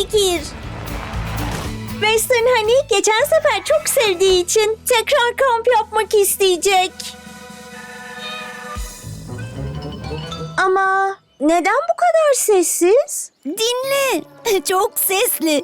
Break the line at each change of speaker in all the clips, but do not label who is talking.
fikir. Western Honey geçen sefer çok sevdiği için tekrar kamp yapmak isteyecek. Ama neden bu kadar sessiz?
Dinle. Çok sesli.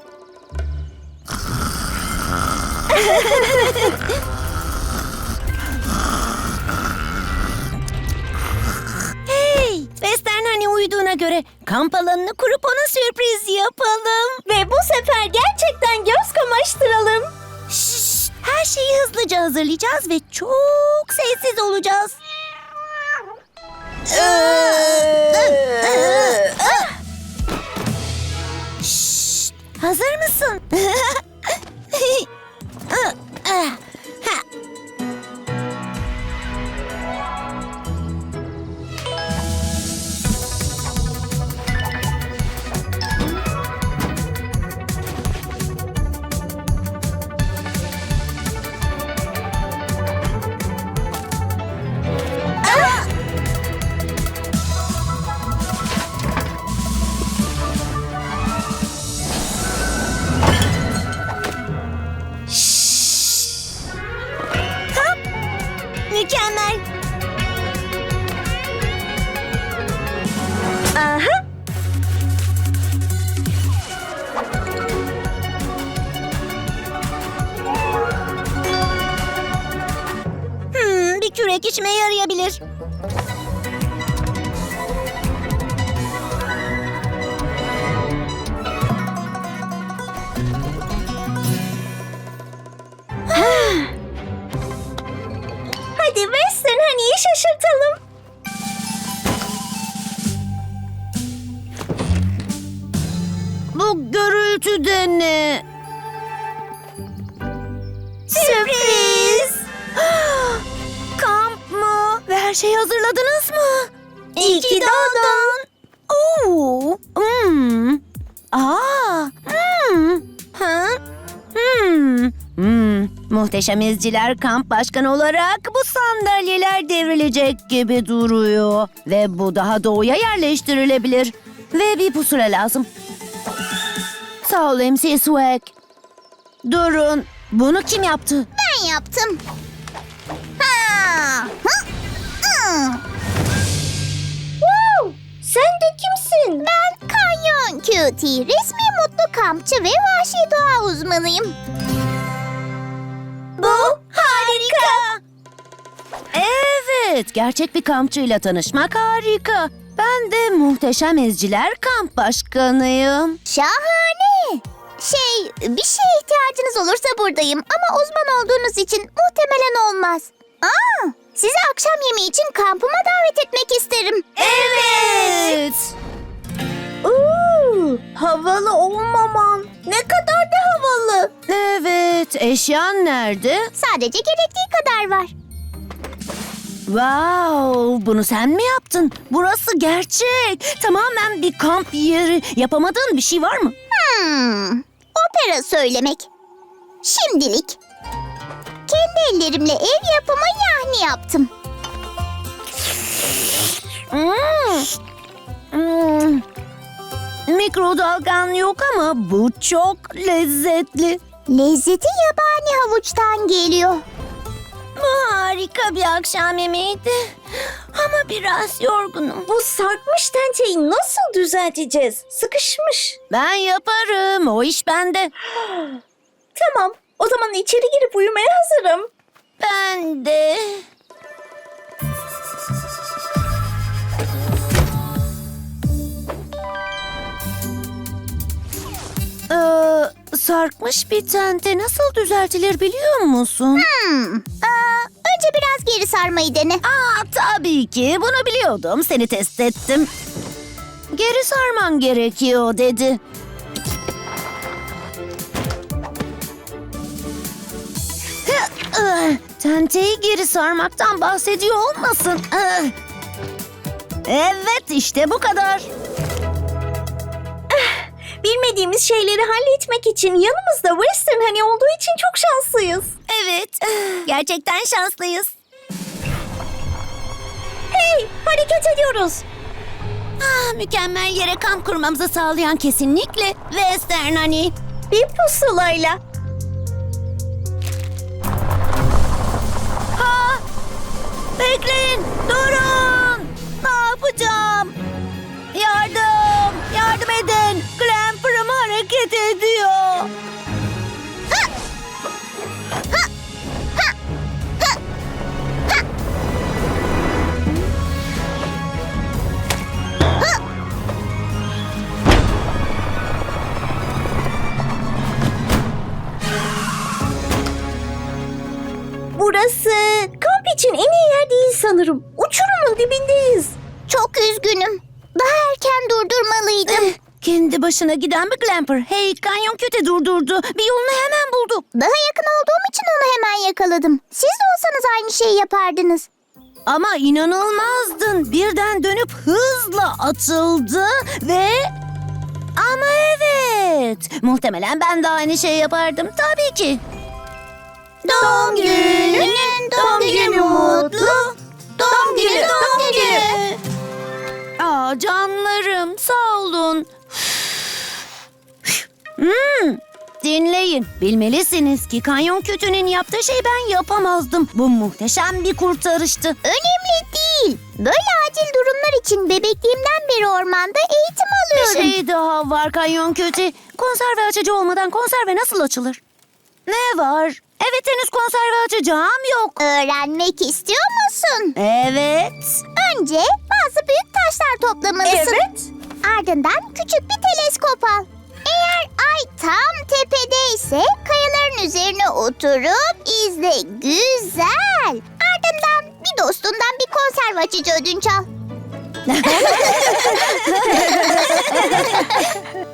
Hey, Western hani uyuduğuna göre kamp alanını kurup ona sürpriz yapalım.
Ve bu sefer gerçekten göz kamaştıralım.
Şşş, her şeyi hızlıca hazırlayacağız ve çok sessiz olacağız. Şşş, hazır mısın? Mükemmel.
Aha.
Bir kürek işime yarayabilir.
Hadi Western Honey'i şaşırtalım.
Bu gürültü de ne?
Sürpriz.
Kamp mı? Ve her şeyi hazırladınız mı?
İyi ki doğdun.
Oo. Aa. Ha? Muhteşem İzciler kamp başkanı olarak bu sandalyeler devrilecek gibi duruyor. Ve bu daha doğuya yerleştirilebilir. Ve bir pusula lazım. Sağ ol MC Swag. Durun. Bunu kim yaptı?
Ben yaptım. Ha! Hı! Hı!
Wow, sen de kimsin?
Ben Kanyon Cutie, resmi mutlu kampçı ve vahşi doğa uzmanıyım.
Bu harika.
Evet, gerçek bir kampçıyla tanışmak harika. Ben de Muhteşem İzciler kamp başkanıyım.
Şahane. Bir şeye ihtiyacınız olursa buradayım ama uzman olduğunuz için muhtemelen olmaz. Sizi akşam yemeği için kampıma davet etmek isterim.
Evet.
Havalı olmaman. Ne kadar da havalı.
Evet, eşyan nerede?
Sadece gerektiği kadar var.
Wow, bunu sen mi yaptın? Burası gerçek. Tamamen bir kamp yeri. Yapamadığın bir şey var mı?
Opera söylemek. Şimdilik. Kendi ellerimle ev yapımı yahni yaptım.
Mikrodalgan yok ama bu çok lezzetli.
Lezzeti yabani havuçtan geliyor.
Bu harika bir akşam yemeğiydi. Ama biraz yorgunum.
Bu sarkmış tenteyi nasıl düzelteceğiz? Sıkışmış.
Ben yaparım. O iş bende.
Tamam, o zaman içeri girip uyumaya hazırım.
Ben de. Sarkmış bir tente nasıl düzeltilir biliyor musun?
Önce biraz geri sarmayı dene.
Tabii ki. Bunu biliyordum. Seni test ettim. Geri sarman gerekiyor dedi. Tenteyi geri sarmaktan bahsediyor olmasın. Evet, işte bu kadar.
Bilmediğimiz şeyleri halletmek için yanımızda Western Honey olduğu için çok şanslıyız.
Evet, gerçekten şanslıyız.
Hey, hareket ediyoruz.
Mükemmel yere kamp kurmamızı sağlayan kesinlikle Western Honey.
Bir pusulayla.
Bekleyin, durun. Ne yapacağım? Yardım, yardım edin. Clamper'ım hareket ediyor.
Burası kamp için en iyi yer değil sanırım. Uçurumun dibindeyiz.
Çok üzgünüm. Daha erken durdurmalıydım.
Kendi başına giden bir Clamper. Hey, Kanyon Kötü durdurdu. Bir yolunu hemen buldu.
Daha yakın olduğum için onu hemen yakaladım. Siz de olsanız aynı şeyi yapardınız.
Ama inanılmazdın. Birden dönüp hızla atıldı ve... Ama evet. Muhtemelen ben de aynı şeyi yapardım. Tabii ki.
Doğum günün, doğum günü mutlu. Doğum günü, doğum günü.
Aa, canlarım, sağ olun. Dinleyin. Bilmelisiniz ki Kanyon Kötü'nün yaptığı şeyi ben yapamazdım. Bu muhteşem bir kurtarıştı.
Önemli değil. Böyle acil durumlar için bebekliğimden beri ormanda eğitim
Bir
alıyorum.
şey daha var Kanyon Kötü. Konserve açıcı olmadan konserve nasıl açılır? Ne var? Evet, henüz konserve açacağım yok.
Öğrenmek istiyor musun?
Evet.
Önce bazı büyük taşlar toplamalısın.
Evet.
Ardından küçük bir teleskop al. Eğer ay tam tepedeyse kayaların üzerine oturup izle, güzel. Ardından bir dostundan bir konserve açıcı ödünç al.